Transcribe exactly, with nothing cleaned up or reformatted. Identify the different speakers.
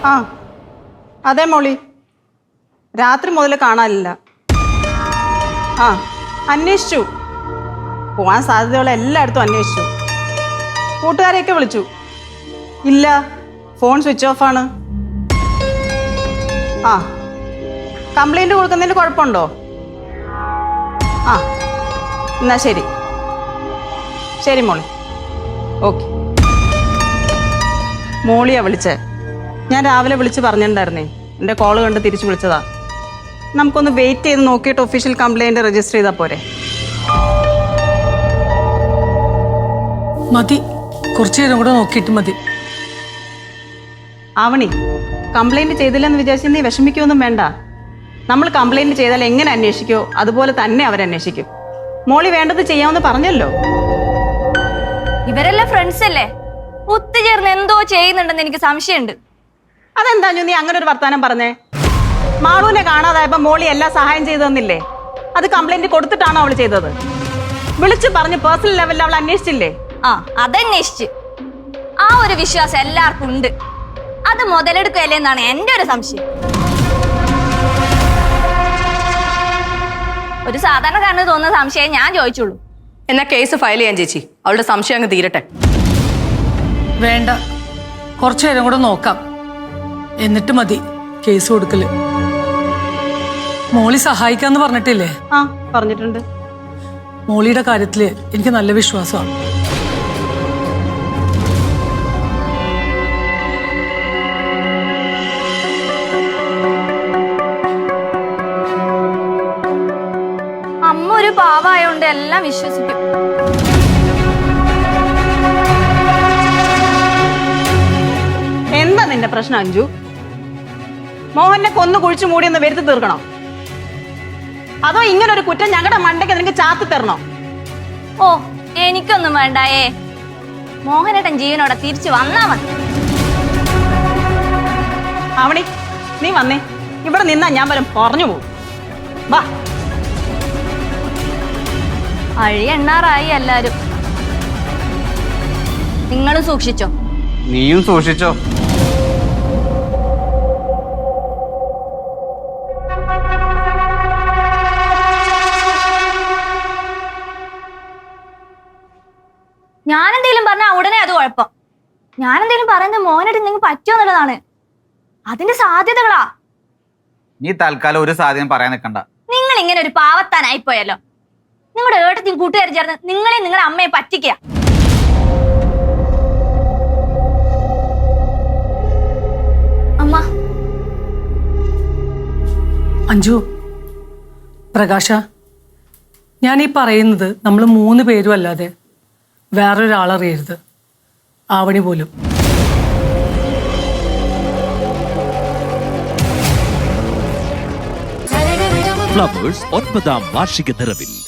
Speaker 1: ആ അതെ മോളി, രാത്രി മുതൽ കാണാനില്ല. ആ അന്വേഷിച്ചു, പോവാൻ സാധ്യതയുള്ള എല്ലായിടത്തും അന്വേഷിച്ചു, കൂട്ടുകാരെയൊക്കെ വിളിച്ചു. ഇല്ല, ഫോൺ സ്വിച്ച് ഓഫ് ആണ്. ആ കംപ്ലൈന്റ് കൊടുക്കുന്നതിന് കുഴപ്പമുണ്ടോ? ആ എന്നാ ശരി ശരി മോളി, ഓക്കെ. മോളിയാ വിളിച്ചേ, ഞാൻ രാവിലെ വിളിച്ച് പറഞ്ഞിട്ടുണ്ടായിരുന്നേ, എൻ്റെ കോള് കണ്ട് തിരിച്ചു വിളിച്ചതാ. നമുക്കൊന്ന് വെയിറ്റ് ചെയ്ത് നോക്കിയിട്ട് ഒഫീഷ്യൽ കംപ്ലൈന്റ് രജിസ്റ്റർ ചെയ്താൽ പോരെ?
Speaker 2: മതി, കുറച്ചു നേരം കൂടെ നോക്കിയിട്ട് മതി.
Speaker 1: ആവണി, കംപ്ലൈന്റ് ചെയ്തില്ലെന്ന് വിചാരിച്ച് നീ വിഷമിക്കൊന്നും വേണ്ട. നമ്മൾ കംപ്ലൈന്റ് ചെയ്താൽ എങ്ങനെ അന്വേഷിക്കോ അതുപോലെ തന്നെ അവരന്വേഷിക്കും. മോളി വേണ്ടത് ചെയ്യാമെന്ന് പറഞ്ഞല്ലോ.
Speaker 3: ഇവരെല്ലാം ഫ്രണ്ട്സ് അല്ലേ, ഒത്തുചേർന്ന് എന്തോ ചെയ്യുന്നുണ്ടെന്ന് എനിക്ക് സംശയമുണ്ട്.
Speaker 1: അതെന്താ നീ അങ്ങനെ ഒരു വർത്താനം പറഞ്ഞേ? മാളൂനെ കാണാതായപ്പോ മോളി എല്ലാ സഹായം ചെയ്തു തന്നില്ലേ? അത് കംപ്ലൈന്റ് കൊടുത്തിട്ടാണോ അവൾ ചെയ്തത്? വിളിച്ചു പറഞ്ഞ് പേഴ്സണൽ ലെവലിൽ അവൾ അന്വേഷിച്ചില്ലേ?
Speaker 3: ആ അതന്വേഷിച്ച്, ആ ഒരു വിശ്വാസം എല്ലാവർക്കും ഉണ്ട്. അത് മുതലെടുക്കുകയല്ലേ എന്നാണ് എന്റെ ഒരു സംശയം. ഒരു സാധാരണക്കാരന് തോന്നുന്ന സംശയം ഞാൻ ചോദിച്ചുള്ളൂ.
Speaker 4: എന്നാ കേസ് ഫയൽ ചെയ്യാൻ ചേച്ചി, അവളുടെ സംശയം അങ്ങ് തീരട്ടെ.
Speaker 2: വേണ്ട, കുറച്ചു നേരം കൂടെ നോക്കാം, എന്നിട്ട് മതി കേസ് കൊടുക്കല്. മോളി സഹായിക്കാന്ന് പറഞ്ഞിട്ടില്ലേ?
Speaker 1: ആ പറഞ്ഞിട്ടുണ്ട്.
Speaker 2: മോളിയുടെ കാര്യത്തില് എനിക്ക് നല്ല വിശ്വാസമാണ്.
Speaker 3: അമ്മ ഒരു പാവായോണ്ട് എല്ലാം വിശ്വസിക്കും.
Speaker 1: എന്താ നിന്റെ പ്രശ്നം അഞ്ജു? മോഹനെ കൊന്നു കുഴിച്ചു മൂടിയെന്ന് വരുത്തി തീർക്കണോ? അതോ ഇങ്ങനൊരു കുറ്റം ഞങ്ങളുടെ മണ്ടയ്ക്ക് നിനക്ക് ചാത്തി തരണോ?
Speaker 3: ഓ എനിക്കൊന്നും വേണ്ടായേ, മോഹനേട്ടൻ ജീവനോടെ തിരിച്ചു വന്നാ മതി.
Speaker 1: ആവണി, നീ വന്നേ, ഇവിടെ നിന്നാ ഞാൻ വരും പറഞ്ഞു പോകും. വാ.
Speaker 3: അഴി എണ്ണാറായി എല്ലാരും. നിങ്ങളും സൂക്ഷിച്ചോ.
Speaker 5: നീയും സൂക്ഷിച്ചോ.
Speaker 3: ഞാനെന്തേലും പറഞ്ഞാൽ ഉടനെ അത് കുഴപ്പം. ഞാനെന്തേലും പറയുന്നത് മോഹനായിട്ട് നിങ്ങൾക്ക് പറ്റുമോ എന്നുള്ളതാണ്. അതിന്റെ സാധ്യതകളാ.
Speaker 5: നീ തൽക്കാലം ഒരു സാധ്യത പറയാൻ നിൽക്കണ്ട.
Speaker 3: നിങ്ങൾ ഇങ്ങനെ ഒരു പാവത്താനായിപ്പോയല്ലോ. നിങ്ങളുടെ ഏട്ടത്തിയും കൂട്ടുകാരും ചേർന്ന് നിങ്ങളെ നിങ്ങളുടെ അമ്മയെ പറ്റിക്കുക. അമ്മ.
Speaker 2: അഞ്ജു, പ്രകാശ, ഞാൻ ഈ പറയുന്നത് നമ്മൾ മൂന്ന് പേരും അല്ലാതെ വേറൊരാളറിയരുത്, ആവണി പോലും.
Speaker 6: ഫ്ലവേഴ്സ് ഒൻപതാം വാർഷിക നിറവിൽ